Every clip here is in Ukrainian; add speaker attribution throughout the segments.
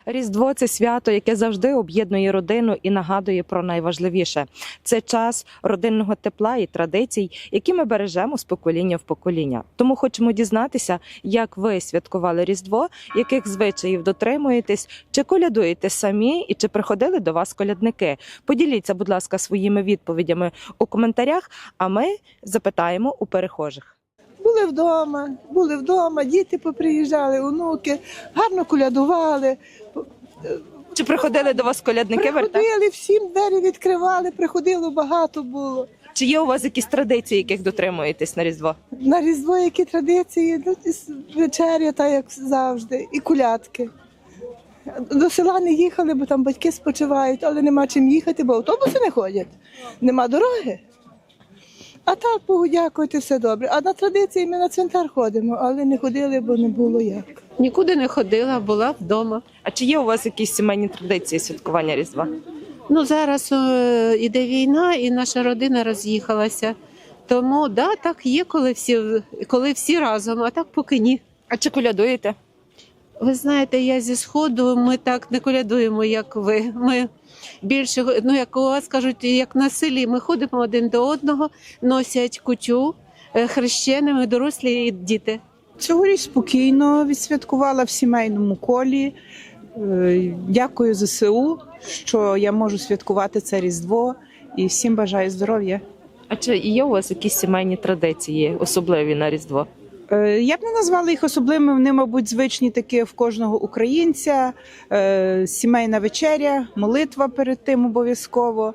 Speaker 1: Різдво – це свято, яке завжди об'єднує родину і нагадує про найважливіше. Це час родинного тепла і традицій, які ми бережемо з покоління в покоління. Тому хочемо дізнатися, як ви святкували Різдво, яких звичаїв дотримуєтесь, чи колядуєте самі і чи приходили до вас колядники. Поділіться, будь ласка, своїми відповідями у коментарях, а ми запитаємо у перехожих.
Speaker 2: Були вдома, діти поприїжджали, онуки, гарно колядували.
Speaker 1: Чи приходили до вас колядники?
Speaker 2: Приходили, всім двері відкривали, приходило, багато було.
Speaker 1: Чи є у вас якісь традиції, яких дотримуєтесь на Різдво?
Speaker 2: На Різдво які традиції, вечеря, так як завжди, і колядки. До села не їхали, бо там батьки спочивають, але нема чим їхати, бо автобуси не ходять, нема дороги. А так, Богу дякувати, все добре. А на традиції ми на цвинтар ходимо, але не ходили, бо не було як.
Speaker 3: Нікуди не ходила, була вдома.
Speaker 1: А чи є у вас якісь сімейні традиції святкування Різдва?
Speaker 3: Ну, зараз іде війна і наша родина роз'їхалася. Тому, да, так є, коли всі разом, а так поки ні.
Speaker 1: А чи колядуєте?
Speaker 3: Ви знаєте, я зі Сходу, ми так не колядуємо, як ви. Ми більше, ну, як у вас кажуть, як на селі, ми ходимо один до одного, носять кутю хрещеними, дорослі і діти.
Speaker 4: Цьогоріч спокійно відсвяткувала в сімейному колі. Дякую ЗСУ, що я можу святкувати це Різдво, і всім бажаю здоров'я.
Speaker 1: А чи є у вас якісь сімейні традиції, особливі на Різдво?
Speaker 4: Я б не назвала їх особливими, вони, мабуть, звичні такі в кожного українця. Сімейна вечеря, молитва перед тим обов'язково.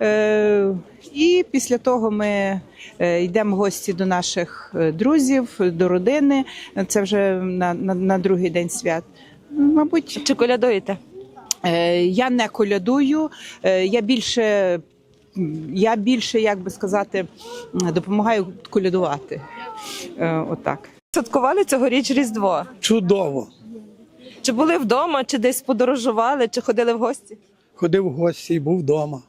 Speaker 4: І після того ми йдемо в гості до наших друзів, до родини. Це вже на другий день свят. Мабуть,
Speaker 1: Чи колядуєте?
Speaker 4: я не колядую, я більше, як би сказати, допомагаю колядувати. Отак.
Speaker 1: Святкували цьогоріч Різдво?
Speaker 5: Чудово.
Speaker 1: Чи були вдома, чи десь подорожували, чи ходили в гості?
Speaker 5: Ходив в гості і був вдома.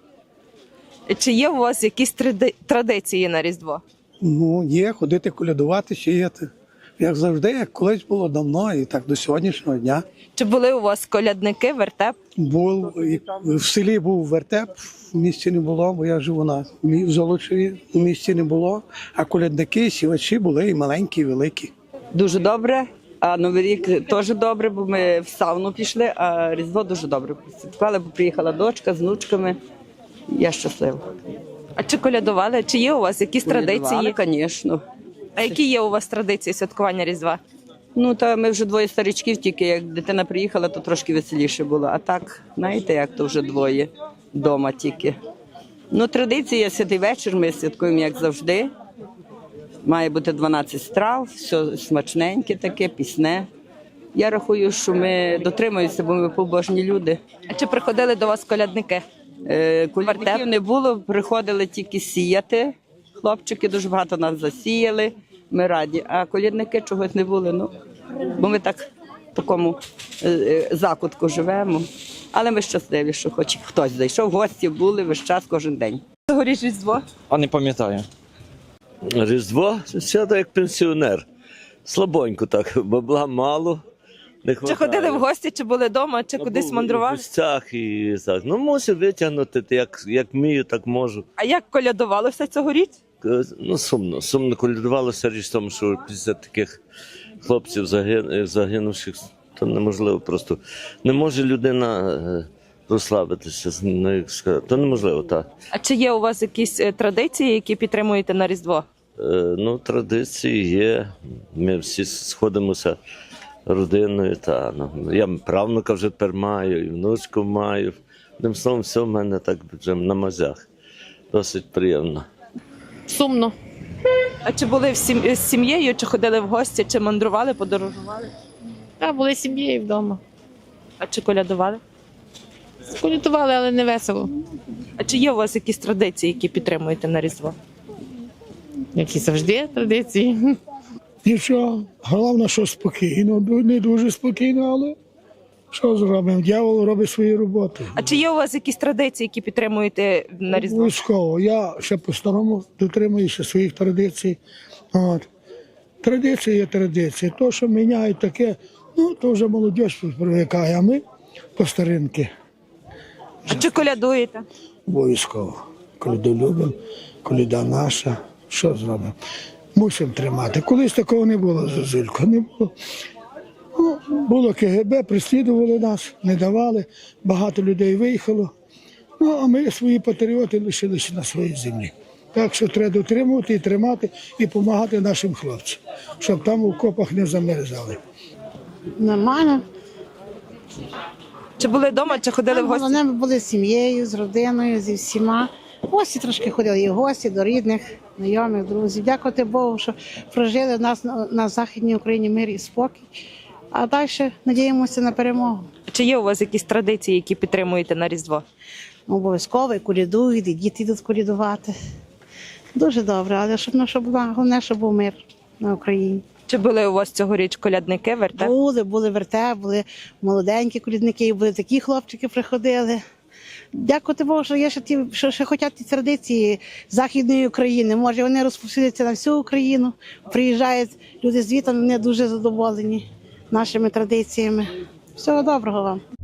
Speaker 1: Чи є у вас якісь традиції на Різдво?
Speaker 5: Ну, є, ходити колядувати, сіяти. Як завжди, як колись було давно, і так до сьогоднішнього дня.
Speaker 1: Чи були у вас колядники, вертеп?
Speaker 5: В селі був вертеп, в місті не було, бо я живу в Золочеві, в місті не було. А колядники, сівачі були і маленькі, і великі.
Speaker 6: Дуже добре, а Новий рік теж добре, бо ми в сауну пішли, а Різдво дуже добре святкували, бо приїхала дочка з внучками. Я щаслива.
Speaker 1: А чи колядували? Чи є у вас якісь традиції?
Speaker 6: Звісно.
Speaker 1: А які є у вас традиції святкування Різдва?
Speaker 6: Ну, та ми вже двоє старичків, тільки як дитина приїхала, то трошки веселіше було. А так, знаєте, як то вже двоє вдома тільки. Ну, традиція, святий вечір, ми святкуємо, як завжди. Має бути 12 страв, все смачненьке таке, пісне. Я рахую, що ми дотримуємося, бо ми побожні люди.
Speaker 1: А чи приходили до вас колядники?
Speaker 6: Колядників не було, приходили тільки сіяти. Хлопчики дуже багато нас засіяли, ми раді. А колядники чогось не були, ну, бо ми так в такому закутку живемо. Але ми щасливі, що хоч хтось зайшов, гості були весь час, кожен день.
Speaker 1: Цьогоріч Різдво?
Speaker 7: А не пам'ятаю. Різдво свято як пенсіонер. Слабонько так, бабла мало. Не
Speaker 1: Чи ходили в гості, чи були вдома, чи кудись мандрували?
Speaker 7: В гостях і так. Ну, мусив витягнути, як вмію, так можу.
Speaker 1: А як колядувалося цьогоріч?
Speaker 7: Ну, сумно. Сумно колядувалося, річ в тому, що після таких хлопців загинувших, то неможливо просто. Не може людина розслабитися, то неможливо, так.
Speaker 1: А чи є у вас якісь традиції, які підтримуєте на Різдво?
Speaker 7: Ну, традиції є. Ми всі сходимося родиною. Я правнука вже тепер маю, і внучку маю. Одним словом, все в мене так вже на мазях. Досить приємно.
Speaker 8: Сумно.
Speaker 1: А чи були з сім'єю, чи ходили в гості, чи мандрували, подорожували?
Speaker 8: Так, були з сім'єю вдома.
Speaker 1: А чи колядували?
Speaker 8: Колядували, але не весело.
Speaker 1: А чи є у вас якісь традиції, які підтримуєте на Різдво?
Speaker 8: Які завжди традиції.
Speaker 9: Нічого, головне, що спокійно, не дуже спокійно, але що зробимо? Дьявол робить свою роботу.
Speaker 1: А чи є у вас якісь традиції, які підтримуєте на Різдво?
Speaker 9: Обов'язково. Я ще по-старому дотримуюся своїх традицій. Традиції є традиції. То, що міняють таке, Ну, то вже молодь привикає, а ми по старинки
Speaker 1: А чи колядуєте?
Speaker 9: обов'язково. Коляду любимо, коляда наша, що зробимо? Мусимо тримати. Колись такого не було, Зозулько, не було. Ну, було КГБ, переслідували нас, не давали, багато людей виїхало. Ну, а ми свої патріоти лишилися на своїй землі. Так що треба дотримувати і тримати, і допомагати нашим хлопцям, щоб там у окопах не замерзали.
Speaker 10: Нормально.
Speaker 1: Чи були вдома, чи ходили в гості?
Speaker 10: Головне, ми були з сім'єю, з родиною, зі всіма. В гості трошки ходили, і в гості до рідних, знайомих, друзів. Дякувати Богу, що прожили в нас на Західній Україні мир і спокій. А далі надіємося на перемогу.
Speaker 1: Чи є у вас якісь традиції, які підтримуєте на Різдво?
Speaker 10: Обов'язково і колядують, і діти йдуть колядувати. Дуже добре, але щоб була, головне, щоб був мир на Україні.
Speaker 1: Чи були у вас цьогоріч колядники, вертеп?
Speaker 10: Були вертеп, були молоденькі колядники, були такі хлопчики приходили. Дякувати Богу, що є ще ті, що хочуть ті традиції Західної України. Може, вони розповсюдяться на всю Україну. Приїжджають люди звідти, вони дуже задоволені нашими традиціями. Всього доброго вам.